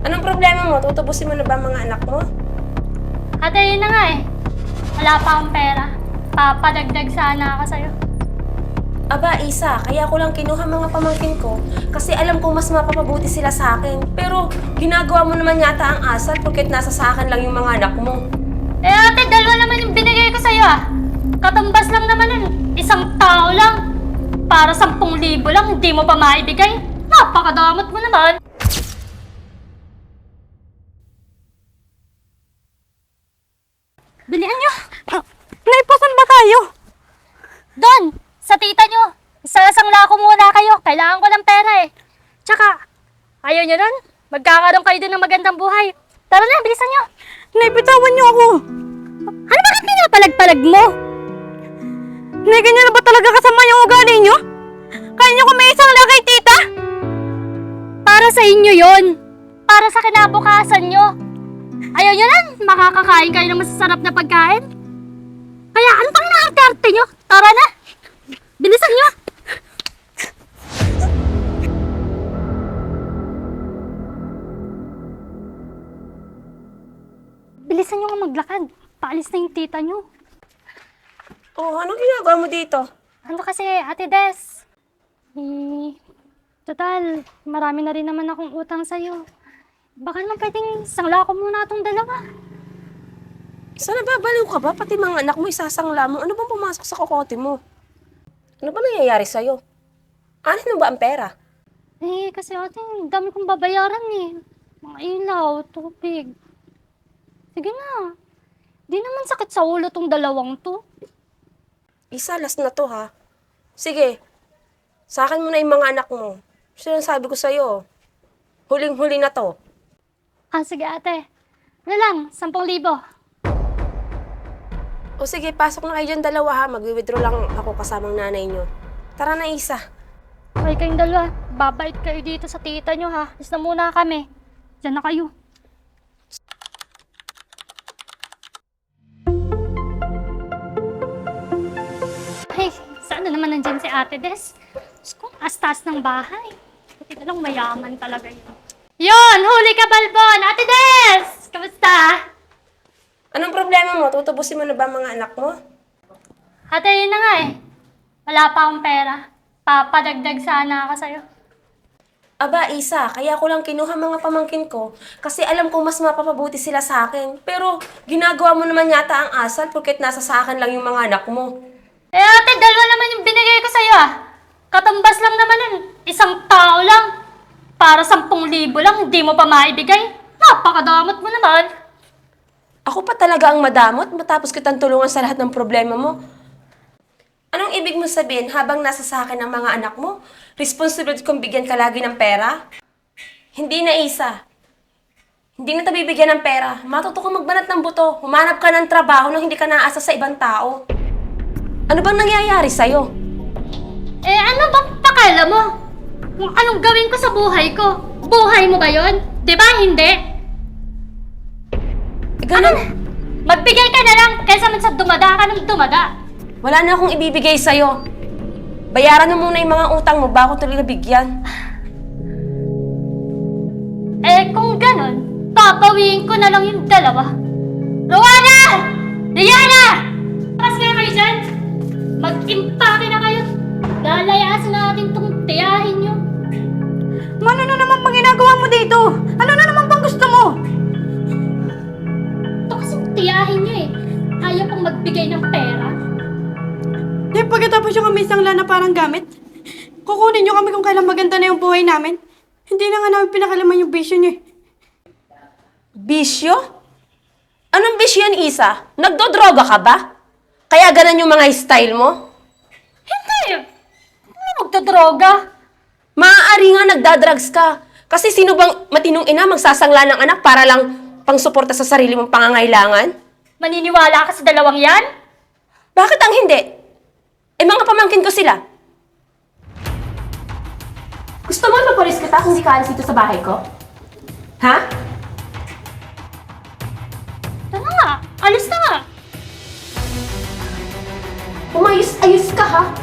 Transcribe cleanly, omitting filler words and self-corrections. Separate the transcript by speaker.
Speaker 1: Anong problema mo? Tutubusin mo na ba ang mga anak mo?
Speaker 2: Ate, yun na nga eh. Wala pa akong pera. Papadagdag sana ako sa'yo.
Speaker 1: Aba, Isa, kaya ko lang kinuha mga pamangkin ko kasi alam ko mas mapapabuti sila sa akin. Pero ginagawa mo naman yata ang asal porket nasa sa akin lang yung mga anak mo.
Speaker 2: Eh ate, dalawa naman yung binigay ko sa'yo ah. Katumbas lang naman yun. Isang tao lang. Para 10,000 lang, hindi mo pa maibigay. Napakadamot mo naman. Bilihan nyo.
Speaker 3: Naipasan ba tayo?
Speaker 2: Doon, sa tita nyo. Isasangla ko muna kayo. Kailangan ko ng pera eh. Tsaka, ayaw nyo nun? Magkakaroon kayo din ng magandang buhay. Tara na, bilisan nyo.
Speaker 3: Naibitawan niyo ako.
Speaker 2: Ano bakit pinapalag-palag mo?
Speaker 3: Nay, ganyan na ba talaga kasama yung ugali niyo? Kaya niyo may isang lang kay tita?
Speaker 2: Para sa inyo yon. Para sa kinabukasan nyo. Ayaw nyo lang, makakakain kayo ng masasarap na pagkain. Kaya ano pang inaarte nyo? Tara na! Bilisan nyo! Bilisan nyo nga maglakad. Paalis na yung tita nyo.
Speaker 1: Oh, anong ginagawa mo dito?
Speaker 2: Ano kasi, Ate Des? Total, marami na rin naman akong utang sa'yo. Baka naman pwedeng sangla ko muna itong dalawa.
Speaker 1: Sana babaliw ka ba? Pati mga anak mo isasangla mo. Ano bang pumasok sa kokote mo? Ano ba nangyayari sa'yo? Anin mo ba ang pera?
Speaker 2: Eh, kasi ate, dami kong babayaran eh. Mga ilaw, tubig. Sige na. Di naman sakit sa ulo tong dalawang to.
Speaker 1: Isa, last na to ha. Sige, sa akin mo na yung mga anak mo. Sinasabi ko sa'yo, huling-huli na to.
Speaker 2: Ah, sige ate. Ano lang, 10,000.
Speaker 1: O sige, pasok na kayo dyan dalawa ha. Mag-withdraw lang ako kasamang nanay nyo. Tara na, Isa.
Speaker 2: Okay kayong dalawa. Babait kayo dito sa tita nyo ha. Is na muna kami. Diyan na kayo. Ay, saan na naman nandyan si Ate Des? Diyos ko, astas ng bahay. Buti na lang mayaman talaga yun. Yon! Huli ka, Balbon! Ate Des! Kamusta?
Speaker 1: Anong problema mo? Tutubusin mo na ba ang mga anak mo?
Speaker 2: Ate, yun na nga eh. Wala pa akong pera. Papadagdag sana ako sa'yo.
Speaker 1: Aba, Isa, kaya ko lang kinuha mga pamangkin ko kasi alam ko mas mapapabuti sila sa akin. Pero ginagawa mo naman yata ang asal porket nasa sa akin lang yung mga anak mo.
Speaker 2: Eh ate, dalawa naman yung binigay ko sa'yo ah. Katumbas lang naman yun. Isang tao lang. Para 10,000 lang, hindi mo pa maibigay. Napakadamot mo naman.
Speaker 1: Ako pa talaga ang madamot matapos kitang tulungan sa lahat ng problema mo. Anong ibig mo sabihin habang nasa sa akin ang mga anak mo? Responsibility kong bigyan ka lagi ng pera? Hindi na, Isa. Hindi na tayo bibigyan ng pera. Matuto ka magbanat ng buto. Humanap ka ng trabaho nang hindi ka naasa sa ibang tao. Ano bang nangyayari sa'yo?
Speaker 2: Eh ano bang pakala mo? Kung anong gawin ko sa buhay ko? Buhay mo ba yun? Di ba hindi?
Speaker 1: Ganun.
Speaker 2: Magbigay ka na lang kaysa man sa dumada ka ng dumada.
Speaker 1: Wala na akong ibibigay sa'yo. Bayaran mo muna yung mga utang mo bago tuloy nabigyan.
Speaker 2: Eh kung ganon, papawiin ko na lang yung dalawa. Rowana! Diana! Tapos nga kayo dyan! Mag-impake na kayo! Lalayasan natin tong tiyahin nyo.
Speaker 3: Ano na naman pang ginagawa mo dito? Ano na naman pang gusto mo?
Speaker 2: Ito kasing tiyahin nyo eh. Ayaw pang magbigay ng pera.
Speaker 3: Di pagkatapos yung kami isang lana parang gamit, kukunin niyo kami kung kailan maganda na yung buhay namin. Hindi na nga namin pinakalaman yung bisyo niyo eh.
Speaker 1: Bisyo? Anong bisyo yan, Isa? Nagdodroga ka ba? Kaya ganun yung mga style mo?
Speaker 2: Hindi! Hindi magdodroga.
Speaker 1: Maaari nga nagdadrugs ka. Kasi sino bang matinong ina magsasangla ng anak para lang pangsuporta sa sarili mong pangangailangan?
Speaker 2: Maniniwala ka sa dalawang yan?
Speaker 1: Bakit ang hindi? Eh mga pamangkin ko sila. Gusto mo ipapulis kita kung di ka alis dito sa bahay ko? Ha?
Speaker 2: Tara nga, alis na nga.
Speaker 1: Umayos-ayos ka ha?